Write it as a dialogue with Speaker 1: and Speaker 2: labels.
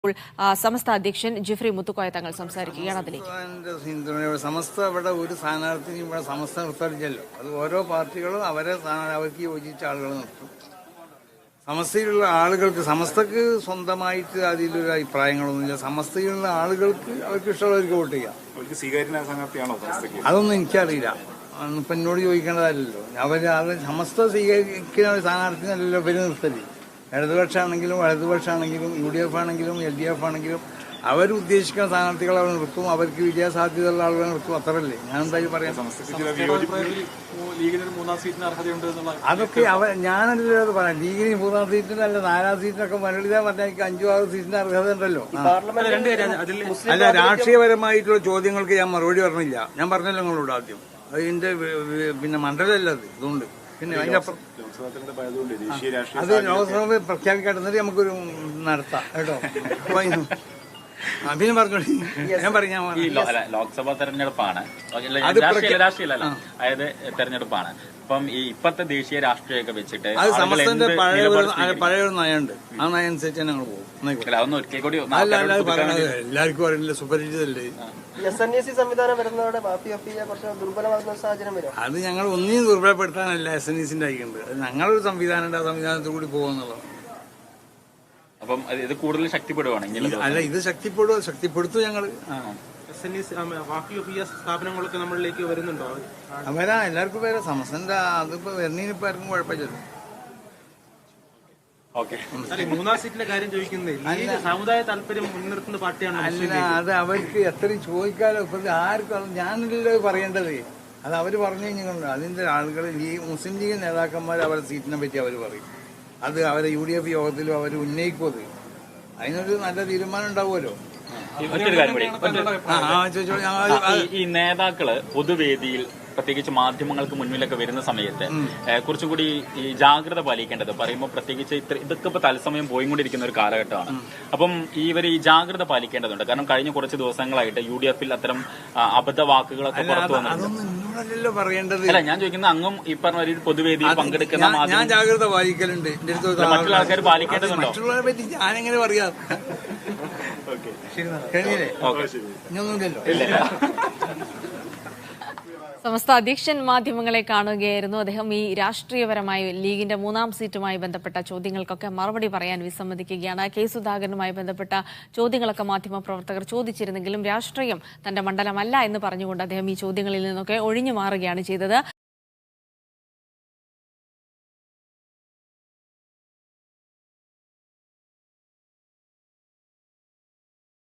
Speaker 1: സമസ്ത അധ്യക്ഷൻ ജിഫ്രി മുത്തുക്കോയ തങ്ങൾ സംസാരിക്കുകയാണ്. അതിലേക്ക്
Speaker 2: സമസ്ത ഇവിടെ ഒരു സ്ഥാനാർത്ഥിയും ഇവിടെ സമസ്ത നിർത്തറിഞ്ഞല്ലോ. അത് ഓരോ പാർട്ടികളും അവർക്ക് യോജിച്ച ആളുകൾ നിർത്തും. സമസ്തയിലുള്ള ആളുകൾക്ക് സമസ്തക്ക് സ്വന്തമായിട്ട് അതിലൊരു അഭിപ്രായങ്ങളൊന്നുമില്ല. സമസ്തയിലുള്ള ആളുകൾക്ക് അവർക്ക് ഇഷ്ടമുള്ളവർക്ക് വോട്ട് ചെയ്യാം. അതൊന്നും എനിക്കറിയില്ല. ഇപ്പൊ എന്നോട് ചോദിക്കേണ്ടതല്ലോ. സമസ്ത സ്വീകരിക്കുന്ന സ്ഥാനാർത്ഥിനല്ലല്ലോ പേര് നിർത്തല്. ഇടതുപക്ഷമാണെങ്കിലും വലതുപക്ഷമാണെങ്കിലും UDF ആണെങ്കിലും LDF ആണെങ്കിലും അവരുദ്ദേശിക്കുന്ന സ്ഥാനാർത്ഥികൾ അവർ നിർത്തും. അവർക്ക് വിജയസാധ്യതയുള്ള ആളുകൾ നിർത്തും. അത്രല്ലേ ഞാൻ എന്തായാലും പറയാം. അതൊക്കെ ഞാനല്ലോ അത് പറയാം. ലീഗിന് 3-ാം സീറ്റിനല്ല 4-ാം സീറ്റിനൊക്കെ മുരളിത പറഞ്ഞാൽ 5-6 സീറ്റിന്റെ അർഹത ഉണ്ടല്ലോ. അല്ല, രാഷ്ട്രീയപരമായിട്ടുള്ള ചോദ്യങ്ങൾക്ക് ഞാൻ മറുപടി പറഞ്ഞില്ല. ഞാൻ പറഞ്ഞല്ലോ നിങ്ങളോട് ആദ്യം. അതിന്റെ മണ്ഡലമല്ല അത്. ഇതുകൊണ്ട് പിന്നെ അതിനപ്പുറം അത് ലോക്സഭ പ്രഖ്യാപിക്കാട്ടുന്നത് നമുക്കൊരു നടത്താം കേട്ടോ. അഭിനയം പറഞ്ഞോളി. ഞാൻ പറയാം.
Speaker 3: ലോക്സഭാ തെരഞ്ഞെടുപ്പാണ്, അതായത് തെരഞ്ഞെടുപ്പാണ്. അപ്പം ഈ ഇപ്പത്തെ ദേശീയ രാഷ്ട്രീയമൊക്കെ വെച്ചിട്ട്
Speaker 2: അത് സമസ്തന്റെ പഴയ ഒരു നയമുണ്ട്. ആ നയം അനുസരിച്ച് ഞങ്ങൾ പോകും.
Speaker 3: അതൊന്നും ഒരിക്കൽ കൂടി
Speaker 2: എല്ലാവർക്കും അറിയില്ല, സുപരിചിതല്ലേ.
Speaker 4: സംവിധാനം വരുന്നതോടെ കുറച്ച് ദുർബലമാകുന്ന സാഹചര്യം വരും.
Speaker 2: അത് ഞങ്ങൾ ഒന്നിനും ദുർബലപ്പെടുത്താനല്ല SNEC അയക്കുന്നത്. അത് ഞങ്ങളൊരു സംവിധാനം ആ സംവിധാനത്തിൽ കൂടി പോകുന്നുള്ളത്.
Speaker 3: അപ്പം ഇത് കൂടുതൽ ശക്തിപ്പെടുവാണെങ്കിൽ
Speaker 2: അല്ല, ഇത് ശക്തിപ്പെടുത്തും ഞങ്ങള്.
Speaker 4: സ്ഥാപനങ്ങളൊക്കെ നമ്മളിലേക്ക് വരുന്നുണ്ടോ?
Speaker 2: വരാ, എല്ലാവർക്കും വരാം. സമസ്തന്റെ അതിപ്പോ വരുന്നതിനിപ്പോ ആർക്കും കുഴപ്പമില്ലല്ലോ.
Speaker 4: മൂന്നാം സീറ്റിന്റെ കാര്യം ചോദിക്കുന്നത് സമുദായ താല്പര്യം മുൻനിർത്തുന്ന പാർട്ടിയാണ്.
Speaker 2: അല്ല, അത് അവർക്ക് എത്രയും ചോദിക്കാലോ. ഇപ്പൊ ആർക്കും ഞാനല്ലോ പറയേണ്ടത്. അത് അവര് പറഞ്ഞു കഴിഞ്ഞാൽ അതിന്റെ ആളുകൾ മുസ്ലിം ലീഗ് നേതാക്കന്മാർ അവരുടെ സീറ്റിനെ പറ്റി അവർ പറയും. അത് അവരെ UDF യോഗത്തിലും അവർ ഉന്നയിക്കും. അത് അതിനൊരു നല്ല തീരുമാനം ഉണ്ടാവുമല്ലോ.
Speaker 3: ഈ നേതാക്കള് പൊതുവേദിയിൽ പ്രത്യേകിച്ച് മാധ്യമങ്ങൾക്ക് മുന്നിലൊക്കെ വരുന്ന സമയത്ത് കുറച്ചും കൂടി ഈ ജാഗ്രത പാലിക്കേണ്ടത് പറയുമ്പോൾ പ്രത്യേകിച്ച് ഇതൊക്കെ ഇപ്പൊ തത്സമയം പോയിക്കൊണ്ടിരിക്കുന്ന ഒരു കാലഘട്ടമാണ്. അപ്പം ഇവർ ഈ ജാഗ്രത പാലിക്കേണ്ടതുണ്ട്. കാരണം കഴിഞ്ഞ കുറച്ച് ദിവസങ്ങളായിട്ട് UDF-ൽ അത്തരം അബദ്ധ വാക്കുകളൊക്കെ പുറത്തു
Speaker 2: വന്നിട്ടുണ്ട്. പറയേണ്ടത്
Speaker 3: അല്ല, ഞാൻ ചോദിക്കുന്നത് അങ്ങും ഈ പറഞ്ഞ ഒരു പൊതുവേദിയിൽ പങ്കെടുക്കുന്ന
Speaker 2: ഞാൻ ജാഗ്രത പാലിക്കലുണ്ട്.
Speaker 3: മറ്റുള്ള ആൾക്കാർ പാലിക്കേണ്ടതുണ്ടോ?
Speaker 2: മറ്റുള്ളവരെ പറ്റി ഞാനെങ്ങനെ പറയാം.
Speaker 1: സമസ്ത അധ്യക്ഷൻ മാധ്യമങ്ങളെ കാണുകയായിരുന്നു. അദ്ദേഹം ഈ രാഷ്ട്രീയപരമായി ലീഗിന്റെ 3-ാം സീറ്റുമായി ബന്ധപ്പെട്ട ചോദ്യങ്ങൾക്കൊക്കെ മറുപടി പറയാൻ വിസമ്മതിക്കുകയാണ്. കെ സുധാകരനുമായി ബന്ധപ്പെട്ട ചോദ്യങ്ങളൊക്കെ മാധ്യമപ്രവർത്തകർ ചോദിച്ചിരുന്നെങ്കിലും രാഷ്ട്രീയം തന്റെ മണ്ഡലമല്ല എന്ന് പറഞ്ഞുകൊണ്ട് അദ്ദേഹം ഈ ചോദ്യങ്ങളിൽ നിന്നൊക്കെ ഒഴിഞ്ഞു മാറുകയാണ് ചെയ്തത്.